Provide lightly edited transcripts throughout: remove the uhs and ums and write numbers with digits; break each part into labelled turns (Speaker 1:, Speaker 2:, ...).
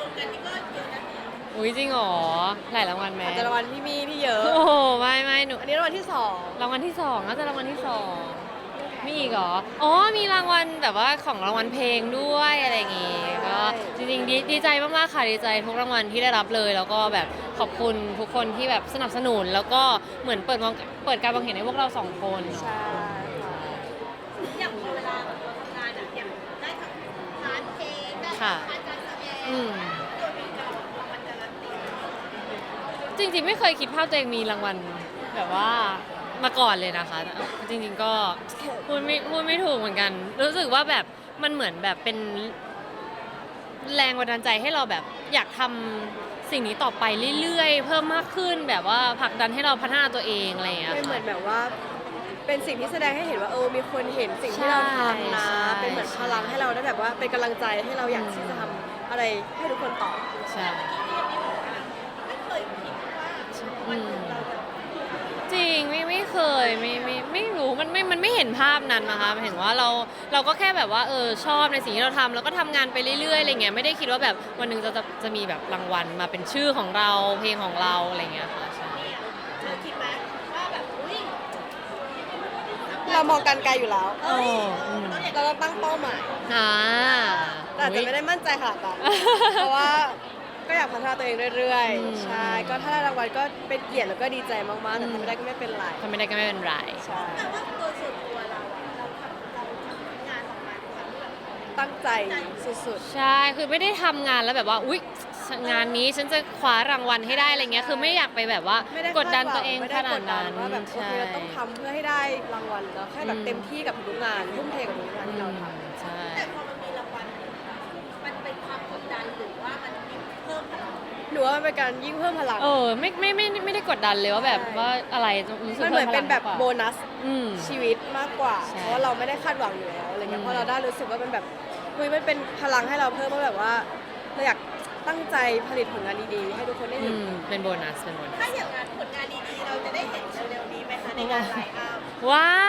Speaker 1: มกันนี่ก็เยอะนะ
Speaker 2: อุ้ยจริงเหรอหลายรางวัลไหม
Speaker 3: อาจจะรางวัลพี่มี่ที่เยอะ
Speaker 2: โอ้โหไม่หนู
Speaker 3: อันนี้รางวัลที่สอง
Speaker 2: รางวัลที่สองน่าจะรางวัลที่สองมีอีกเหรออ๋อมีรางวัลแบบว่าของรางวัลเพลงด้วยอะไรอย่างงี้ก็จริงๆดีใจมากๆค่ะดีใจทุกรางวัลที่ได้รับเลยแล้วก็แบบขอบคุณทุกคนที่แบบสนับสนุนแล้วก็เหมือนเปิดการมองเห็นให้พวกเราสองคนเนาะ
Speaker 3: ใช่ค่ะ
Speaker 1: อย่างพอเวลาแบบเราทำงานอะอย่างได้ทั้งพาร์ทเพลงได้ทั้
Speaker 2: ค่ะ
Speaker 1: งพาร์ทการแสดง
Speaker 2: อืม
Speaker 1: ตัวมีการรางวัลการันตี
Speaker 2: จริงๆไม่เคยคิดภาพตัวเองมีรางวัลแบบว่ามาก่อนเลยนะคะจริงๆก็พูดไม่ถูกเหมือนกัน รู้สึกว่าแบบมันเหมือนแบบเป็นแรงบันดาลใจให้เราแบบอยากทำสิ่งนี้ต่อไปเรื่อยๆเพิ่มมากขึ้นแบบว่าผลักดันให้เราพัฒนาตัวเองอะไรอย่างเงี้ย
Speaker 3: เป็นเหมื
Speaker 2: ค่ะ
Speaker 3: อนแบบว่าเป็นสิ่งที่แสดงให้เห็นว่ามีคนเห็นสิ่งที่เราทำนะ
Speaker 2: ใช่
Speaker 3: เป็นเหมือนพลังให้เราได้แบบว่าเป็นกำลังใจให้เราอยากที่จะทำอะไรให้ทุกคนต่อ
Speaker 2: ใช่
Speaker 1: ไม่เคยคิดว่า
Speaker 2: อื
Speaker 1: วันห
Speaker 2: ม
Speaker 1: นึ่งเราจะ
Speaker 2: จริงไม่เคยไม่รู้มันไม่เห็นภาพนั้นนะคะเห็นว่าเราก็แค่แบบว่าชอบในสิ่งที่เราทำแล้วก็ทำงานไปเรื่อยๆอะไรเงี้ยไม่ได้คิดว่าแบบวันหนึ่งจะมีแบบรางวัลมาเป็นชื่อของเราเพลงของเราอะไรเงี้ยค่ะใช่
Speaker 1: เนี่ยเธอคิดไหมว่าแบบอุ้ย
Speaker 3: เรามองกันไกลอยู่แล้ว
Speaker 2: โอ้อืม
Speaker 3: เราต้องตั้งเป้าหมาย
Speaker 2: อ่า
Speaker 3: แต่อาจจะไม่ได้มั่นใจขนาดนั้นเพราะว่าก็อยากพัฒนาตัวเองเรื่อย
Speaker 2: อืม
Speaker 3: ๆ ใช่ ก็ถ้าได้รางวัลก็เป็นเกียรติแล้วก็ดีใจมากๆ แต่ทำไม่ได้ก็ไม่เป็นไร
Speaker 2: ทำไม่ได้ก็ไม่เป็นไร
Speaker 3: ใช่
Speaker 1: แต่ว่าตัวส่วนตัวเราอะเราทำงานออกมาแบบ
Speaker 3: ตั้งใจสุด
Speaker 2: ใช่คือไม่ได้ทำงานแล้วแบบว่าอุ๊ยงานนี้ฉันจะคว้ารางวัลให้ได้อะไรเงี้ยคือไม่อยากไปแบบว่า
Speaker 3: ๆ ไม่ได้
Speaker 2: กดดันตัวเอง
Speaker 3: ไม่
Speaker 2: ข
Speaker 3: ได้
Speaker 2: นาก ด
Speaker 3: ดดั
Speaker 2: นั้น น
Speaker 3: ว่าแบบโอ
Speaker 2: ใช่
Speaker 3: เคเราต้องทำเพื่อให้ได้รางวัลแล้วแค่แบบเต็มที่กับทุกงานทุ่มเทกับทุกงานที่เราทำ
Speaker 2: ใช่
Speaker 1: แต่พอมันมีรางวัลมันเป็นความกดดันหรือว่ามันเพิ่มพลัง
Speaker 3: หนูว่ามันเป็นการยิ่งเพิ่มพลัง
Speaker 2: ไม่ได้กดดันเลยว่าแบบ
Speaker 3: ใช่
Speaker 2: ว่าอะไรรู้สึก
Speaker 3: มันเหมือนเป็นแบบ
Speaker 2: พิ่ม
Speaker 3: โบ
Speaker 2: พลัง
Speaker 3: นัส
Speaker 2: อืม
Speaker 3: ชีวิตมากกว่า
Speaker 2: ใช่
Speaker 3: เพราะว่าเราไม่ได้คาดหวังอยู่แล้วอะไรเงี้
Speaker 2: อื
Speaker 3: ย
Speaker 2: ม
Speaker 3: พอเราได้รู้สึกว่ามันแบบเฮ้ยมันเป็นพลังให้เราเพิ่มว่าแบบว่าเราอยากตั้งใจผลิตผลงานดีๆ ให้ทุกคนได้
Speaker 2: อื
Speaker 3: เห็น
Speaker 2: มเป็นโบนัส
Speaker 1: ถ้าอย่างนั้นผลงานดีๆเราจะได้เห็นเร็วๆนี้ไหมคะในงานไลน์อัพ
Speaker 2: ว้าว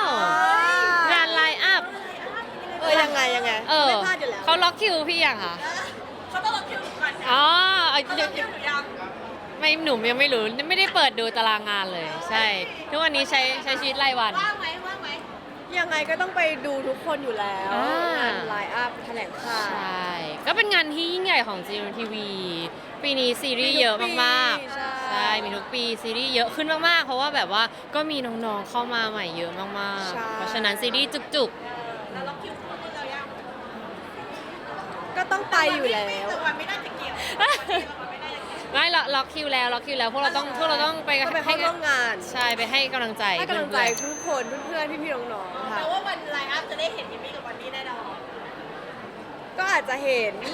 Speaker 2: งานไลน์อัพ
Speaker 3: ยังไงไม่พลาดอยู่แล้ว
Speaker 2: เขาล็อกคิวพี่ยังคะ
Speaker 1: เขาต้องรับคิวหนูก่อนนะ
Speaker 2: อ๋อ
Speaker 1: เขาต้องรับคิวหนูยัง
Speaker 2: ไม่หนูยังไม่รู้ไม่ได้เปิดดูตารางงานเลย ใช่ ทุกวันนี้ใช้ชีวิตรายวัน
Speaker 1: ว่างไหมว่างไหม
Speaker 3: ยังไงก็ต้องไปดูทุกคนอยู่แล้ว
Speaker 2: อ่าง
Speaker 3: งานไลน์อัพแถลงข่า
Speaker 2: ใช
Speaker 3: ว่
Speaker 2: ก็เป็นงานที่ยิ่งใหญ่ของ GMMTV ปีนี้ซีรีส์เยอะมากๆ
Speaker 3: ใช่
Speaker 2: มีทุกปีซีรีส์เยอะขึ้นมากๆ เพราะว่าแบบว่าก็มีน้องๆเข้ามาใหม่เยอะมาก
Speaker 3: ใช่
Speaker 2: ๆ เพราะฉะนั้นซีรีส์จุก
Speaker 1: แล้วรับคิวของเรายัง
Speaker 3: ก็ต้องไปอยู่แล้ว
Speaker 1: แต่วันไม่ได้จะเกี่ยววันไม่ได้จะเกี่ยว
Speaker 2: ๆไม่ล็อกคิวแล้วพวกเราต้องไป
Speaker 3: ก็ไปเข้าร่วมงาน
Speaker 2: ใช่ไปให้กำลังใจ
Speaker 3: ให้กำลังใจ
Speaker 2: เพื่อน
Speaker 3: ทุกคนเพื่อนๆพี่ๆน้องๆค่ะ
Speaker 1: แต่ว่าวันไลน์อัพจะได้เห็นยิมมี่กับวันนี้แน่นอน
Speaker 3: ก็อาจจะเห็น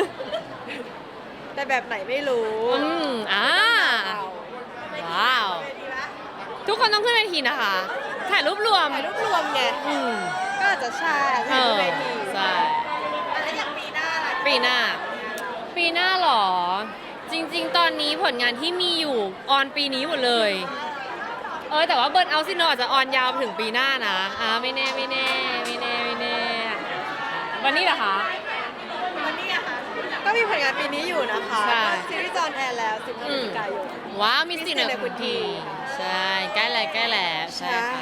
Speaker 3: แต่แบบไหนไม่รู้
Speaker 2: ๆว้าว
Speaker 1: ดีไหม
Speaker 2: ทุกคนต้องขึ้นเวทีนะคะถ่ายรูปรวม
Speaker 3: ถ่ายรูปรวมไง
Speaker 2: อืม
Speaker 3: ก็อาจจะใช่ถ่ายรูปเวที
Speaker 2: ใช่
Speaker 1: แล้วอย่างปีหน้าล่ะ
Speaker 2: ปีหน้าหรอ จริงๆ ตอนนี้ผลงานที่มีอยู่ออนปีนี้หมดเลย แต่ว่าเบิร์นเอาซิโนอาจจะออนยาวไปถึงปีหน้านะไม่แน่วันนี้เหรอคะ
Speaker 1: วันนี้อะค่ะ
Speaker 3: ก็มีผลงานปีนี้อยู่นะคะ
Speaker 2: ใช่
Speaker 3: ซีรีส์จอนแอร์แล้ว15พฤศจิกายน
Speaker 2: ว้าวมี
Speaker 3: มี
Speaker 2: สิ
Speaker 3: สิ
Speaker 2: ท
Speaker 3: ทธิ์
Speaker 2: ธิ์
Speaker 3: ใน
Speaker 2: ใน
Speaker 3: คุ
Speaker 2: คุณ ณ
Speaker 3: ที
Speaker 2: ทีใช่ใกล้แล้วใช่ค่ะ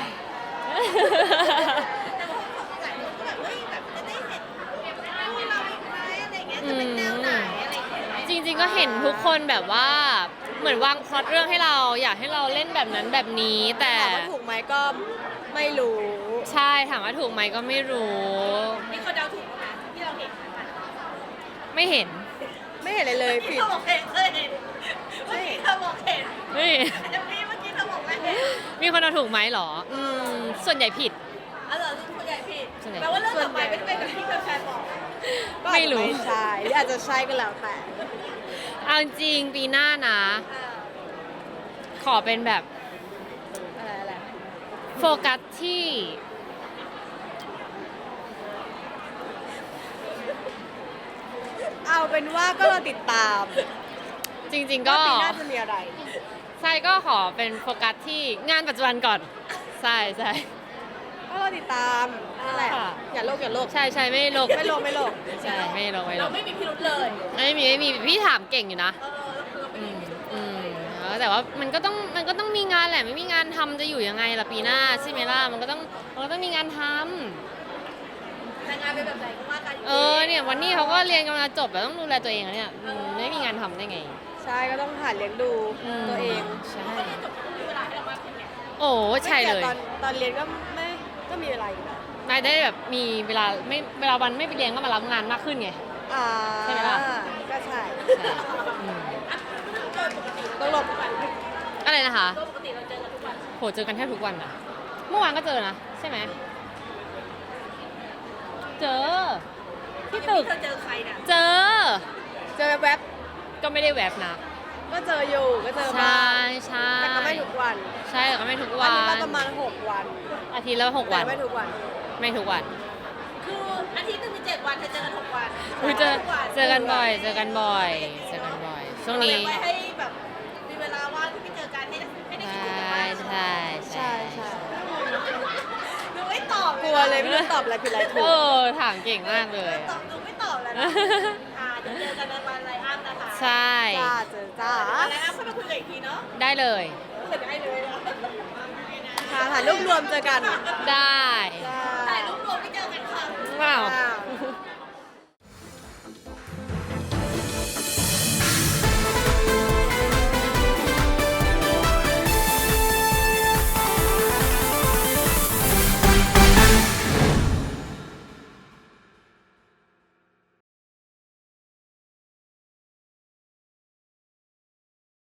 Speaker 1: แต่ว่าหลายคนก็แบบเฮ้ยแบบจะได้เห็นคู่เราอีกไหมอะไรเงี้ยจะเป็นแนวไหนอะไรเงี้ย
Speaker 2: จริงๆก็เห็นทุกคนแบบว่าเหมือนวางพล็อตเรื่องให้เราอยากให้เราเล่นแบบนั้นแบบนี้ แต่
Speaker 3: ถามว่าถูกไหมก็ไม่รู้
Speaker 2: ใช่ถามว่าถูกไหมก็ไม่รู้
Speaker 1: มีคนเดาถูกไหมที่เราเห็น
Speaker 2: ไม่เห็น
Speaker 3: ไม่เห็นอะไรเลย
Speaker 1: ที่
Speaker 3: ผิด
Speaker 1: เขาบอกเห็นเห็นเมื่อกี้เขาบอกเห็น
Speaker 2: ไม่เห็น
Speaker 1: แต่พี่เมื่อกี้เขาบอกไม่เห็น
Speaker 2: มีคนเอาถูกไหมเหรอส่วนใหญ่ผิด
Speaker 1: อ๋อเหรอส่วนใหญ่ผิด
Speaker 2: ส่วนใหญ่
Speaker 1: แปลว่าเรื่องต่อไปไม่ได้เป็นแบบที่แฟนๆบอก
Speaker 3: ก็อาจ
Speaker 2: ไม่
Speaker 3: จะ
Speaker 2: รู้
Speaker 3: ไม่ใช่หรืออาจจะใช่ก็แล้วแต่
Speaker 2: เอาจริงปีหน้านะ ขอเป็นแบบ
Speaker 3: อะไร
Speaker 2: โฟกัสที่
Speaker 3: เอาเป็นว่าก็เราติดตาม
Speaker 2: จริง ๆ ก็
Speaker 3: ว่าปีหน้าจะมีอะไร
Speaker 2: ใช่ก็ขอเป็นโฟกัสที่งานปัจจุบันก่อนใช่
Speaker 3: ก็รอติดตามนั่นแหละ
Speaker 2: ค่ะ
Speaker 3: อย่าโลกอย่าโลก
Speaker 2: ใช่ใช่ไม่โลก
Speaker 3: ไม่โลกไม่โลก
Speaker 2: ใช่ไม่โลกไม่โล
Speaker 1: เรา
Speaker 2: ก
Speaker 1: ไม่มีพิรุธเลย
Speaker 2: ไม่มีพี่ถามเก่งอยู่นะ
Speaker 1: เราไม่
Speaker 2: อื
Speaker 1: มี
Speaker 2: ม
Speaker 1: พิรุธ
Speaker 2: อืมแต่ว่ามันก็ต้องมีงานแหละไม่มีงานทำจะอยู่ยังไงล่ะปีหน้าใช่ไหมล่ะมันก็ต้องมีงานทำ
Speaker 1: แต่งานเป็นแบบไหนก็ว่ากัน
Speaker 2: เนี่ยวันนี้เขาก็เรียนกำลังจบแล้วต้องดูแลตัวเองอะเนี่ยไม่มีงานทำได้ไง
Speaker 3: ใช่ก็ต้องหาเลี้ยงดูตัวเอง
Speaker 2: ใช่
Speaker 1: จบมีเวลาให้เรามากขึ้นเนี่ย
Speaker 2: โอ้ใช่เลย
Speaker 3: ไม่แต่ตอนเรียนก็มีเวลาอยู่นะ
Speaker 2: นายได้แบบมีเวลาเวลาวันไม่ไปเรียนก็มารับงานมากขึ้นไง
Speaker 3: อ่า
Speaker 2: ใช่ไหมล่ะ
Speaker 3: ก็ใช่
Speaker 2: อืม
Speaker 1: โดยปกติ
Speaker 3: ต้องหลบ
Speaker 2: อะไรนะคะ
Speaker 1: โดยปกติเราเจอกันทุกวัน
Speaker 2: โหเจอกันแทบทุกวันอะเมื่อวานก็เจอนะใช่ไหมเจอที่ตึก
Speaker 1: เธอเจอใครเนี่ย
Speaker 2: เจอ
Speaker 3: เจอแวบ
Speaker 2: ก็ไม่ได้แวบนะ
Speaker 3: ๆก็เจออยู่ก็เจอ
Speaker 2: ใช่
Speaker 3: บ้าง
Speaker 2: ใช่
Speaker 3: แต่ก็ไม่ทุกวัน
Speaker 2: ใช่แต่ก็ไม่ทุก
Speaker 3: อั
Speaker 2: วัน
Speaker 3: นี้
Speaker 2: น
Speaker 3: ก็ประมาณ6 วัน
Speaker 2: อาทิตย์ละ6
Speaker 3: แต่
Speaker 2: วัน
Speaker 3: ไม่ทุกวัน
Speaker 2: ไม่ทุกวัน
Speaker 1: คืออาทิตย์หนึงมี7 วันเธอเจอกัน6 วัน
Speaker 2: อุ๊ยเจอ
Speaker 1: ทุกวัน
Speaker 2: เจอกันบ่อยเจอกันบ่อยเจอกันบ่อยช่วงนี้
Speaker 1: ไว้ให้แบบมีเวลาว่างที่ไปเจอกันให้ได้
Speaker 2: ใช
Speaker 1: คิดถึงกันบ้า
Speaker 2: ่
Speaker 1: ง
Speaker 2: ใช่
Speaker 3: ใช่ใช่
Speaker 1: ดูไม่ตอบ
Speaker 3: กลัวเลยไม่รู้ตอบอะไรผิดอะไรถู
Speaker 2: โอ้
Speaker 3: ก
Speaker 2: ถามเก่งมากเลย
Speaker 1: ตอบดูไม่ตอบแล้วนะเดี๋ยวเจอกันในวันไลอ้อนนะคะ
Speaker 2: ใช่
Speaker 3: จ้าเจอจ้า
Speaker 1: ไลอ้อนค่อยมาคุยกันอีกทีเนาะ
Speaker 2: ได้เลย
Speaker 1: เสร็จได้เลยนะ
Speaker 3: ถ่ายรูปรวมเจอกัน
Speaker 2: ได้
Speaker 3: จ้า
Speaker 1: ถ่ายรูปรวมไม่เจอกันค่ะ
Speaker 2: ว้าว
Speaker 3: อ้าว